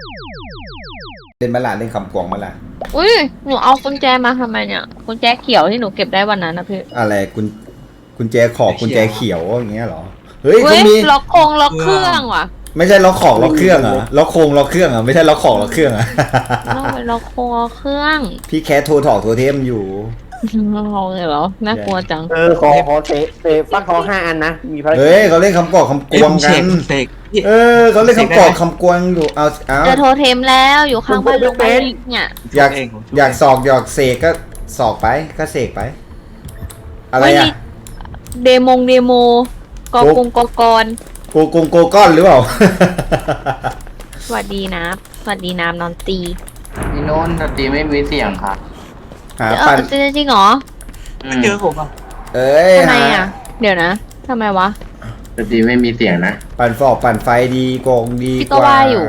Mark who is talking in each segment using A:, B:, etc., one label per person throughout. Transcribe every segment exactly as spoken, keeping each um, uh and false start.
A: เล่นมาละเล่นคำกวางมาละ
B: อุ้ยหนูเอากุญแจมาทำไมเนี่ยกุญแจเขียวที่หนูเก็บได้วันนั้นนะพี่
A: อะไรกุญกุญแจขอบกุญแจเขียวอย่างเงี้ยเหรอเฮ้ย
B: เฮ้
A: เขา
B: ย
A: มี
B: ล็อกโคงล็อกเครื่องว่ะ
A: ไม่ใช่ล็อกของล็อกเครื่องเหรอล็อกโคงล็อกเครื่องเหรอไม่ใช่ล็อกของล็อกเครื่องเหรอ
B: ต้องไปล็อกโคงล็อกเครื่อง
A: พี่แคทโทรถอกโทรเทมอยู่
B: ลองเลยเหรอน่ากลัวจัง
C: เออขอขอเตะเตะฟักทองห้าอันนะมีภารกิจ
A: เฮ้ยเขาเล่นคำกอกคำกวงกัน
D: เสก
A: เออเขาเล่นคำกอกคำกวงอยู่เอาเอา
B: เจอโทรเทมแล้วอยู่ข้างบ้านลุงไปเนี่ย
A: อยากอยากสอกอยากเสกก็สอกไปก็เสกไป อะไรอ่ะ
B: เดโมงเดโมกอกงกอกร
A: โกโกงโกก้อนหรือเปล่า
B: สวัสดีนะสวัสดีน้ำนอนตี
E: ที่โน้นดนตรีไม่มีเสียงค่ะ
A: หา
B: เอ
A: ปั่น
B: อจริงเหรอ
D: ไม่เจอผมอ่ะ
A: เอ้ย
B: ทำไม
A: หา
B: อ่ะ เดี๋ยวนะทำไมวะ
E: ดนตรีไม่มีเสียงนะ
A: ปั่นฟอกปั่นไฟดีโกงดี
B: พี่
A: ก
B: ก็
A: ว่า
B: ว่าอยู่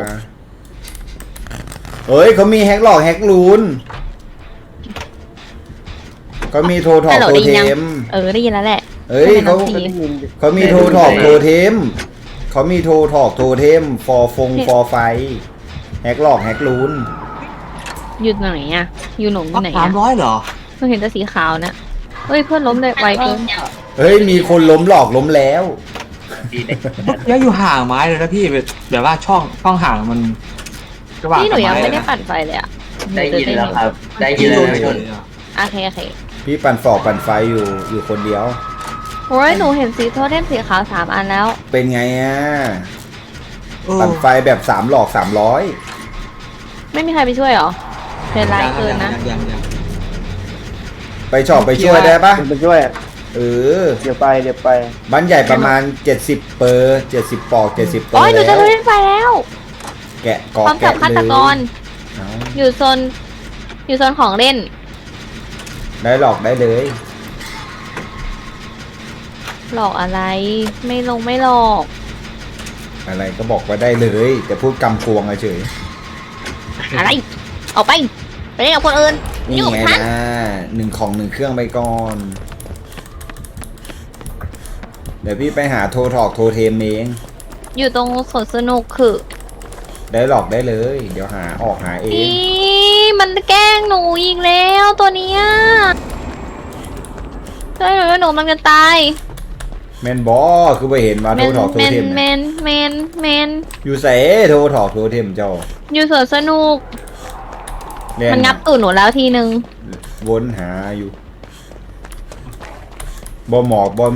A: เฮ้ยเขามีแฮกหลอกแฮกลูนเขามีโทรถอก
B: ฮัลโหล
A: โทร
B: ได้ยิ
A: เท
B: นยัง
A: ม
B: เออได้ยินแล้วแหละ
A: เอ้ยเขา
B: ไม่เป็นไร
A: เขามีโทรถอกโทรเทมเขามีโทรถอกโทรเทมฟอร์ฟงฟอร์ไฟแฮกหลอกแฮกลูน
B: อยู่ไหนอ่ะ อยู่หนงอยู่ไหน
D: สาม
B: อ่ะ
D: ร้อยเหรอ
B: เพิ่งเห็นแต่สีขาวนะเฮ้ยเพื่อนล้มเลยไวเกิน
A: เฮ้ยมีคนล้มหลอกล้มแล้ว
D: ยังอยู่ห่างไม้เลยนะพี่แบบว่าช่องช่องห่างมันระหว่าง
B: นี่หนูยังไม่ได้
D: นะ
B: ปั่นไฟเลยอ่ะ
E: ได้ยินแล้วครับ ได้ยิน
D: พี่
E: แล้
D: โด
E: วน พี่
D: เล
E: โน้น
D: ยอ่ะ
B: โอเคโอเค
A: พี่ปั่นฟอกปั่นไฟอยู่อยู่คนเดียว
B: โอ้ยหนูเห็นสีโทเทมสีขาวสามอันแล้ว
A: เป็นไงอ่ะ
D: เออ
A: ปั่นไฟแบบสามหลอกสามร้อย
B: ไม่มีใครไปช่วยเหรอเป็นไรเกินนะ
D: ยังยังยัง
A: ไปชอบไปช่วยได้ปะ
C: ไปช่วย
A: เออ
C: เดี๋ยวไปเดี๋ยวไป
A: บ้านใหญ่ประมาณเจ็ดสิบเปอร์เจ็ดสิบปอกเจ็ดสิบเปอ
B: โอ้
A: ร์
B: ยหนูจะ
A: แล้ว
B: โทเทมไฟแล้ว
A: แกะก
B: พ
A: อ
B: ร้อมจั
A: แกะ
B: บฆา
A: เล
B: ต
A: ย
B: กร
A: เอา
B: อยู่โซนอยู่โซนของเล่น
A: ได้หลอกได้เลย
B: หลอกอะไร ไม่ลงไม่หลอก
A: อะไรก็บอกว่าได้เลยแต่พูดกำกวงเฉย
B: อะไรออกไปไปเล่นกับคนอื่น
A: นี่
B: ยุ่ง
A: ไง
B: ฉัน
A: นะหนึ่งของหนึ่งเครื่องไปก่อน เดี๋ยวพี่ไปหาโทรถอกโทรเทมเอง
B: อยู่ตรงสวนสนุกคือ
A: ได้หลอกได้เลย เดี๋ยวหาออกหาเอง
B: อีมันแกล้งหนูอีกแล้วตัวเนี้ยใช่หนูว่าหนูมันจะตาย
A: แมนบอคือไปเห็นมา
B: เม
A: โทร
B: น
A: ถอกโทร
B: เมน
A: เทม
B: เม
A: น่ะ
B: นเมนเมน
A: อยู่ใส่โทรถอกโทรเทมเจ้า
B: อยู่สวนสนุก
A: เรีย
B: มันงับตูดหนูแล้วทีนึง
A: วนหาอยู่บอหมอกบอมี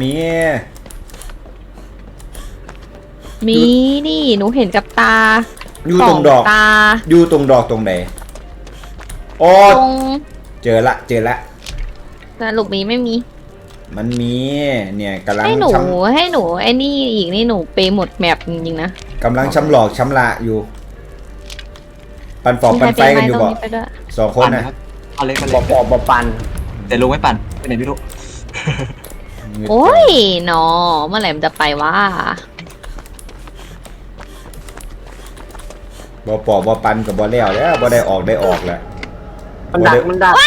B: มีนี่หนูเห็นกับตา
A: อยู่ตรงดอก
B: ตา
A: อยู่ตรงดอกตรงไหนอ๋อ
B: ตรง
A: เจอละเจอละ
B: สรุปมีไม่มี
A: มันมีเนี่ยกำลัง
B: ให้หนู
A: ช้
B: ให้หนูไอ้นี่อีกนี่หนูไปหมดแมปจริงๆนะ
A: ำกำลังช้ำหลอกช้ำละอยู่ ปันฟอกปันไฟกันอยู่
B: มี
A: บ่
B: ใครเป็นไหมตรงนี้ไปด้วย
A: สองคน
D: ปั่น
A: นะ
D: ครับเอาเล็กมา
C: บ
D: เล็
C: อกบอกบอกปัน
D: แต่ลุงไม่ปั่นไปไหนไม่รู้
B: โอ้ยหนอเมื่อไหร่มันจะไปวะ
A: บ่ปอกบ่ปันกับบ่แล้วแล้วบ่ได้ออกได้ออกแล้ว
C: มันดักมันดัก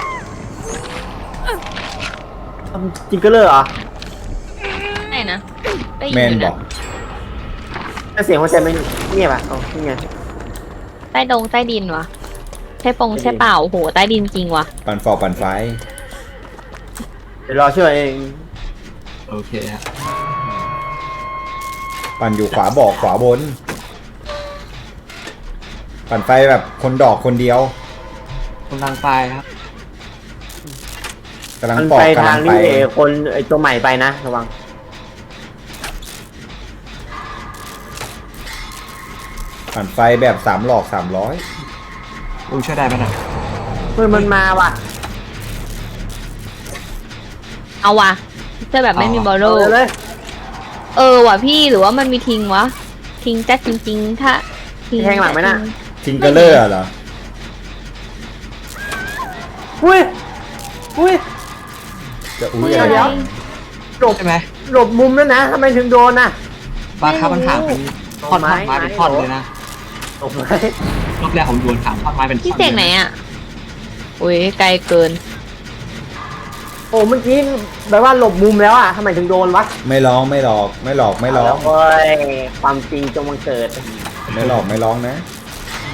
C: ทำจริงก็เลยเหรอ
B: ไหนนะได้ยิ
A: แมน
B: อยู่
A: บ
B: นะ
A: อก
C: ถ้าเสียงหัวใจไม่เงียบอ่ะอ๋อนี่ไง
B: ใต้ดงใต้ดินวะใช่ปงใช่เปล่าโอ้โหใต้ดินจริงวะ
A: ปันฟอกปันไฟ
C: เดี๋ยวรอช่วยเอง
D: โอเคฮะ
A: ปั่นอยู่ขวาบอกขวาบน ปั่นไฟแบบคนดอกคนเดียว
D: กำลังไปครับ
A: กำลัง
C: มัน
A: ปอก
C: ไป
A: กำ
C: ทา
A: ลั
C: ง
A: งไป
C: ที่เอคนไอตัวใหม่ไปนะระวัง
A: ปั่นไฟแบบสามหลอกสามร้อย
D: ลุงช่วยได้ไหมนะ
C: เฮ้ยมันมาว่ะ
B: เอาวะเจอแบบไม่มีบอลโล
C: เอาเลย
B: เออว่ะพี่หรือว่ามันมีทิ้งวะทิ้งแจ๊จริงๆถ้าทิ้
C: แทงหลังไหมน่ะ
A: ทิงเกอร์เลอร์เหรอ
C: อุ้ยอุ้ย
A: จะอุ้ย
B: เดี๋
A: อะ
B: ยว
A: ไร
B: เดี๋ยว
C: หลบ
D: ใช่ไหม
C: หลบมุมแล้วนะทำไมถึงโดนน่ะ
D: บางครั้งมันห่างเป็นท่อน
C: ไม้
D: ท่อนไม้เป็น
C: ไม้
D: ท่อนเลยนะ
C: หลบไหม
D: รอบแรกผมโดนถามท่อนไม้เป็นท่อน
B: พี่เสกไหนอ่ะอุ้ยไกลเกิน
C: โอ้เมื่อกี้แบบว่าหลบมุมแล้วอ่ะทำไมถึงโดนวะ
A: ไม่ร้องไม่หลอกไม่หลอกไม่ร้อง
C: เาละเว้ยความจริงจงบังเกิด
A: ไม่หลอกไม่ร้องนะ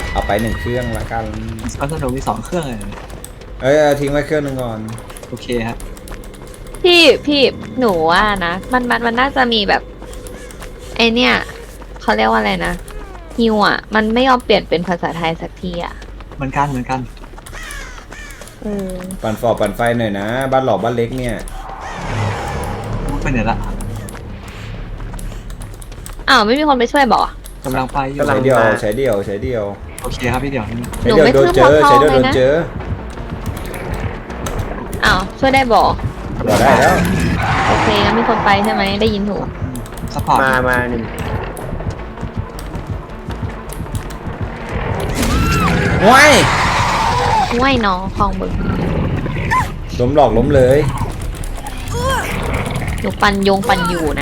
A: เอาไปหนึ่งเครื่องละกัน
D: สนุกมีสองเครื่องเลย
A: เอ้ยเอาทิ้งไว้เครื่องหนึงก่อน
D: โอเคครับ
B: พี่พี่หนูว่านะมันมันมันน่าจะมีแบบไอเนี่ยเขาเรียกว่าอะไรนะฮิวอ่ะมันไม่ยอมเปลี่ยนเป็นภาษาไทยสักทีอ่ะ
D: เหมือนกันเหมือนกัน
B: เออ
A: ปั่นฟอปั่นไฟหน่อยนะ บ้านหลอกบ้านเล็กเนี่ย
D: ไปไหนละ
B: อ้าวไม่มีคนไปช่วยบอก
D: กำลังไปอยู่
A: ใช้เดียวใช้เดียวใช้เดียว
D: โอเคครับพี่เดี๋ยว
A: ใช้เดียวโดนเจอใช้เดียวโดนเจอ
B: อ้าวช่วยได้บอก
A: บอกได้แล้ว
B: โอเคงั้นมีคนไปใช่ไหมได้ยินถูก
D: สปอร์ต
C: มามาหนึ่ง
A: ว้าย
B: ห้วยน้องคลองบึง
A: ล้มหลอกล้มเลย
B: หนูปันยงปันอยู่นะ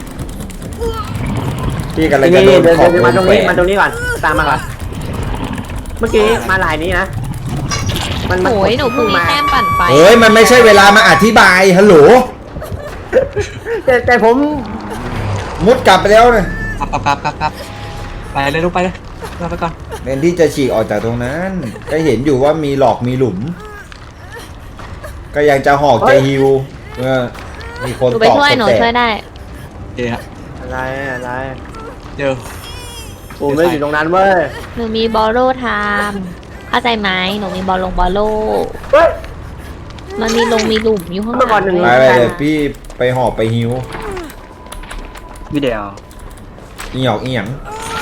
A: พี่กันเลย
C: นี่
A: จะโดน
C: เดิน
A: ขอบ
C: เดิน
A: ว
C: มาง ตรง
A: แฝ
C: นี้
A: ง
C: มาตรงนี้ก่อนตามมาก่อนเมื่อกี้มาลายนี้นะมันมัน
B: โอ้ยหนูเพิ่งมีแต้มปั่นไฟ
A: เฮ้ยมันไม่ใช่เวลามาอธิบายฮัลโหล
C: แต่แต่ผม
A: มุดกลับไปแล้วนะ
D: ครับครับครับครับครับไปเลยลูกไปเลยเราไปก่อน
A: เน้นที่จะฉีกออกจากตรงนั้น ก็เห็นอยู่ว่ามีหลอกมีหลุม ก็ยังจะหอกจะฮิวเออมีคน
B: หนูไป
A: ตอก
B: ช่วยหนู
A: แต่
B: ช่วยได้
D: โอเคครับ
C: อะไรอะไร
D: เดี๋ยว
C: ผมไม่อยู่ตรงนั้นเว้ย
B: หนูมีบอลโลไทม์เข้าใจไหมหนูมีบอลลงบอลโล
C: เฮ้ย
B: มันมีลงมีหลุมอยู่ข้างห
C: เมื่อก่
B: ลั
C: อนหนึ่ง
A: ไปไปเลยพี่ไปหอกไปฮิว
D: วิดีโอ
A: อีหยอกอีหยัง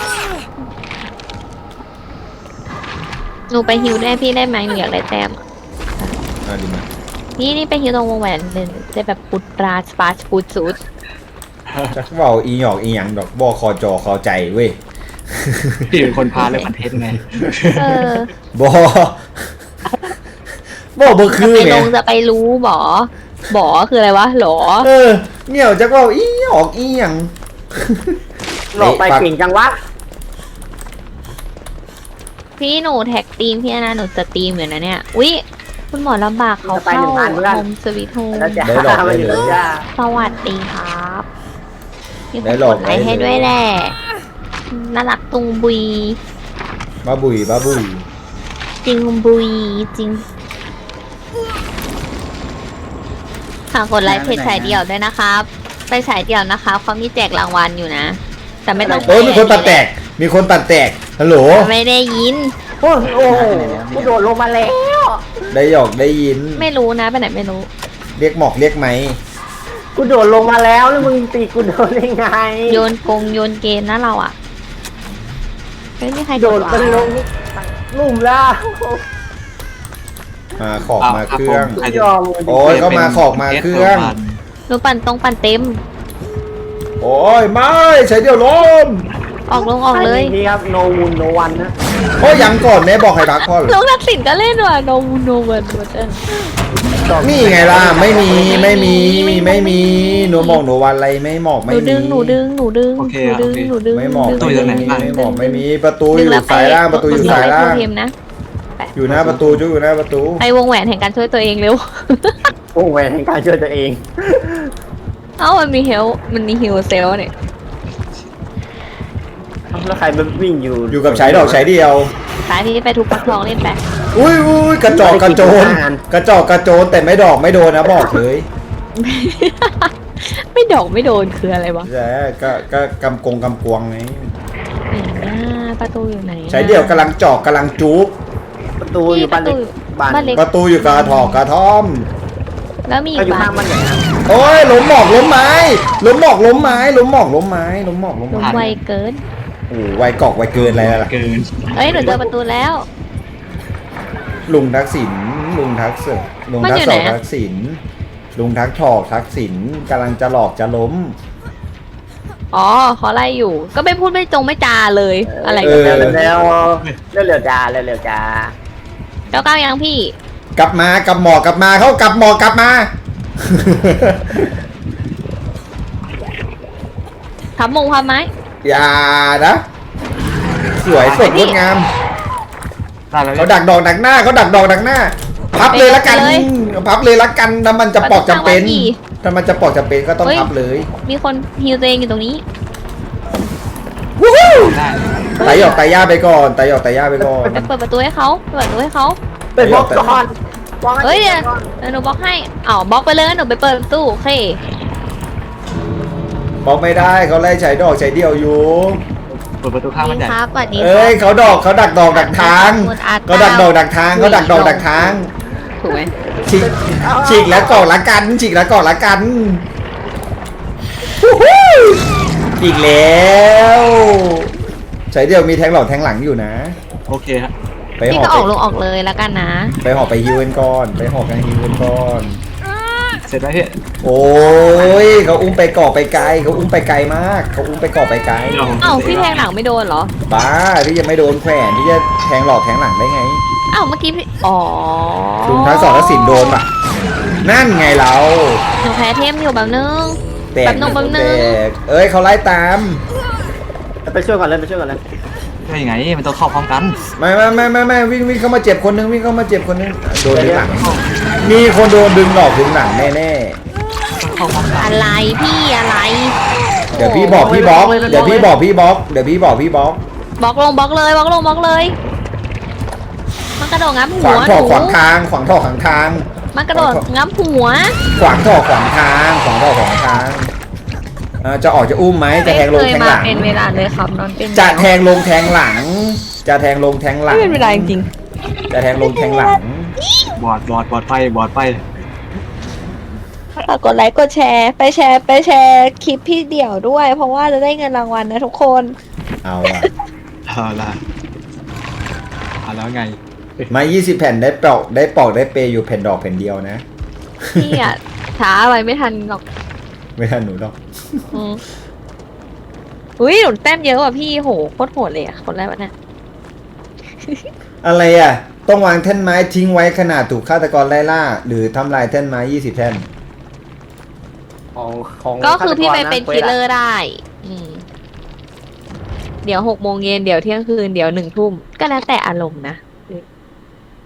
B: หนูไปฮิวได้พี่ได้ไหมหนูอยากได้แต้ม
A: อ่ะดีมา
B: นี่นี่ไปฮิวตรงวงแหวนเลยจะแบบปุตราสปาร์ปูดซูด
A: จักเว่าอีหยอกอีหยังดอกบ่คอจอคอใจเว้ย
D: พี่เป็นคนพาเลยคอนเทนต์ไง
B: เออ
A: บ่บ่บ่
B: จะ
A: คือ
B: ไป
A: ไง
B: ลงจะไปรู้บอ บอคืออะไรวะหรอ
A: เออเหนี่ยวจักเว่าอีหยอกอีหยัง
C: หลอกไปเก่งจังวะ
B: พี่หนูแท็กทีมพี่นะหนูจะทีมอยู่นะเนี่ย อุ๊ย คุณหมอลำบากเขาเข้าโฮมสวีทโฮม
C: แล้วจะ
A: ได้หลอก
C: มา
A: ได้
C: อยู่
A: เล
C: แล้ว
A: ย
C: จ้า
B: สวัสดีครับมีค
A: ได้
B: น
A: หล
B: ก
A: อก
B: ดไลค์ให้
A: ได้เลย
B: ด้วยแหละ น่ารักตุงบุย
A: บ้าบุยบ้าบุย
B: จริงบุยจริงฝากกดไลค์เพจฉายเดี่ยวด้วยนะครับ ไปฉายเดี่ยวนะครับเขามีแจกรางวัลอยู่นะ แต่ไม่ต้อง
A: โอ้ยมีคนตัดแตก มีคนตัดแตกฮัลโหล
B: ไม่ได้ยิน
C: โอ้โหโอ้โหกูโดดลงมาแล้ว
A: ได้หยอกได้ยิน
B: ไม่รู้นะไปไหนไม่รู้
A: เรียกหมอกเรียกไหม
C: กูโดดลงมาแล้วแล้วมึงตีกูโดนได้ไง
B: โยนกงโยนเกมนะเราอ่ะไม่มีใคร
C: โดด
B: วะ
C: มันลงลุ่มแล้ว
A: มาขอบมาเครื่อง
D: ใคร
C: ย
D: จะ
C: อมเลย
A: โอ้ยก็มาขอกมาเครื่อง
B: หนูปั่นตรงปั่นเต็ม
A: โอ้ยไม่ใช้เดียวล้ม
B: ออกลงออกเลย
C: นี่ครับ no moon no one นะ
A: โอ้ยยังก่อนแม่บอกให้พักก่อน
B: ลงทักษิณก็เล่นว่ะโนมูโนเวิร์ดเออ
A: นี่ไงล่ะไม่มีไม่มีไม่มีหนูบอกหนูวันอะไรไม่หมอก
B: ห
A: ไม่
B: นู
A: มี
B: ดึงหนูดึงหนูดึง
D: โอเค
B: หนูดึง
D: โอเค
B: หนูดึง
A: ไม่หมอก
B: ดึ
A: ไม่
B: ง
A: มี
B: ดึง
A: ไม่หมอกไม่มีประตูอ
B: ดึง
A: ยู่
B: แล้วไป
A: สายล่างประตูอยู่สายล่าง
B: ดึงแล้วไปโทเทมนะ
A: อยู่หน้าประตูจุ๊อยู่หน้าประตู
B: ไปวงแหวนแห่งการช่วยตัวเองเร็ว
C: โอ้โหแหวนแห่งการช่วยตัวเอง
B: เอ้ามันมีเฮลมันมีฮิลเซลเนี่ย
C: แล้วใครมันวิ่งอยู่
A: อยู่กับใช้ดอกใช้เดียว
B: สายพี่ไปทุบปักทองเล่นไป
A: อุ้ยอุ้ยกระจอกกระโจนกระจอกกระโจนแต่ไม่ดอกไม่โดนนะบอกเลย
B: ไม่ดอกไม่โดนคืออะไรวะ
A: แย่ก็ก็กำกงกำกวงไง
B: ไหนนะประตูอยู่ไหนนะ
A: ใช้เดียวกำลังจอกกำลังจุ๊บ
C: ประตูอยู่บ้านเล็กบ้าน
B: บ้านเล็ก
A: ประตูอยู่กระถอกกระท่อม
B: แล้วมีอี
C: ก็
B: ก
C: อยู่
B: บ้า
C: ข้าง
B: น
C: บ้านไหนนะ
A: โอ้ยล้มหมอกล้มไม้ล้มหมอกล้มไม้ล้มหมอกล้มไม้ล้มหมอกล้ม
B: ลง
A: ไม้
B: ไวเกิน
A: โอ้ไวกอกไวเกินอะไรล่ะ
D: เกิน
B: เอ้ยหนูเจอประตูแล้ว
A: ลุงทักษิณลุงทักษิณลุง
B: มัน
A: ทัก
B: อยู่
A: ษ
B: ไหน
A: ณ
B: อะ
A: ทักษิณลุงทักทอกทักษิณกำลังจะหลอกจะล้ม
B: อ๋อเขาไล่อยู่ ก็ไม่พูดไม่จงไม่จาเลย อะไร
A: เอ
B: กัน
A: อ
B: เนี่ย
C: แล้วเร็วเร็วๆจ้าเร็วเร็วๆจ้า
B: เก้าเก้ายังพี่
A: กลับมากลับหมอกลับมาเขากลับหมอกลับมา
B: ทับมงพับไม้
A: อย่านะ สวยสดงดงาม
D: ได้แล้ว
A: เขาดักดอกดักหน้าเขาดักดอกดักหน้า พับเลยละกันพับเลยละกันถ้ามันจะปอกจำเป็นถ้ามันจะปอกจำเป็นก็ต้องพับเลย
B: มีคนฮิวตัวเองอยู่ตรงนี้
D: ได้
A: ตายหยอกตายย่าไปก่อนตายหยอกตายย่าไปก่อน
B: ไปเปิดประตูให้เขาเปิดประตูให้เขา
C: เป็นบล็อกก่อนบล็อกให้
B: เฮ้ยเดี๋ยวเดี๋ยวหนูบล็อกให้อ้าวบล็อกไปเลยหนูไปเปิดประตูโอเค
A: บอกไม่ได้เขาไล่ใช้ดอกใช้เดียวอยู่
D: เปิดประตูข้างมันใหญ่
B: ครับสวัสดีค
A: เอ้
B: รั
A: ย
B: บ
A: เขาดอกเขาดักดอกดักทางเขาดักดอกดักทางเขาดักดอกดักทาง
B: ถูกไหม
A: ฉีกฉีกแล้วก่อนละกันฉีกแล้วก่อนละกันฮู้ฮู้อีกแล้วใช้เดียวมีแทงหลอกแทงหลังอยู่นะ
D: โอเคฮะ
A: ไป
B: พี่
A: หอ
B: ก็ออก
A: ไป
B: ลงออกเลยแล้วกันนะ
A: ไปหอไปฮิวกันก่อนไปหอกันฮิวกันก่อน
D: เสร็จแล้วพี่
A: โอ้ยเขาอุ้มไปก่อไปไกลเขาอุ้มไปไกลมากเขาอุ้มไปก่อไปไกล
D: เดี๋ยวผม
B: เอ้าพี่แทงหลังไม่โดนเหรอ
A: บ้าพี่ยังไม่โดนแขวนพี่จะแทงหลอกแทงหลังได้ไง
B: เอ้าเมื่อกี้พี่อ๋อ
A: ลุงทั้งสองทั้งสินโดนป่ะนั่นไงเรา
B: หนูแพ้เทมอยู่แบบนึง
A: แตก
B: แป๊บนึงแป๊บนึง
A: แตกเอ้ยเขาไล่ตาม
C: ไปช่วยก่อนเลยไปช่วยก่อนเลย
D: ช่วยยังไงมันต้องเข้าพร้อมกัน
A: ไม่ไม่ไม่ไม่ไม่วิ่งวิ่งเข้ามาเจ็บคนนึงวิ่งเข้ามาเจ็บคนนึงโดนดึงหลังมีคนโดนดึงหลอกดึงหลังแน่แน่
D: ต้องเข้าพร้อมกัน
B: อะไรพี่อะไร
A: ๆเดี๋ยวพี่บอกพี่บล็อกเดี๋ยวพี่บอกพี่บล็อกเดี๋ยวพี่บอกพี่บล็อก
B: บล็อกลงบล็อกเลยบล็อกลงบล็อกเลย มันกระโดดงับ
A: ข
B: หั
A: วาง
B: ว
A: ท่อ
B: หนู
A: ขวางทางขวางท่อขวางทาง
B: มันกระโดดงับหัว
A: ขวางท่อขวางทางขวางท่อขวางทางเอ่อจะออกจะอุ้มไหมจะแทงลง
B: ไม่เคย
A: แทง
B: มา
A: หลัง
B: เป็นเวลาเลยครับนอนเป็น
A: จะแทงลงแทงหลัง จะแทงลงแทงหลัง
B: ไม่เป็นเวลาจริง
A: จะแทงลงแทงหลัง
D: บอดบอดบอดไฟบอดไฟ
B: ฝากกดไลค์กดแชร์ไปแชร์ไปแชร์คลิปพี่เดี่ยวด้วย เพราะว่าจะได้เงินรางวัลนะทุกคน
A: เอาอะ
D: เอาละเอาแล้วไง
A: มายี่สิบแผ่นได้ปอกได้ปอกได้เปย์อยู่แผ่นดอกแผ่นเดียวนะ
B: พี่อ่ะช้าไปไม่ทันหรอก
A: ไม่ทันหนูหรอก
B: อืมอุ้ยหนูแต้มเยอะว่ะพี่โหโคตรโหดเลยอ่ะคนแรกวะเนี่ย
A: อะไรอ่ะ ต้องวางแท่นไม้ทิ้งไว้ขนาดถูกฆาตกรไล่ล่า หรือทำลายแท่นไม้ยี่สิบแท่น
C: ของของ
B: ก็คือพี่ไป
C: ฆาตกระ
B: เป็นคิลเลอร์ได้ อืม เดี๋ยวหกโมงเย็นเดี๋ยวเที่ยงคืนเดี๋ยวหนึ่งทุ่มก็แล้วแต่อารมณ์นะ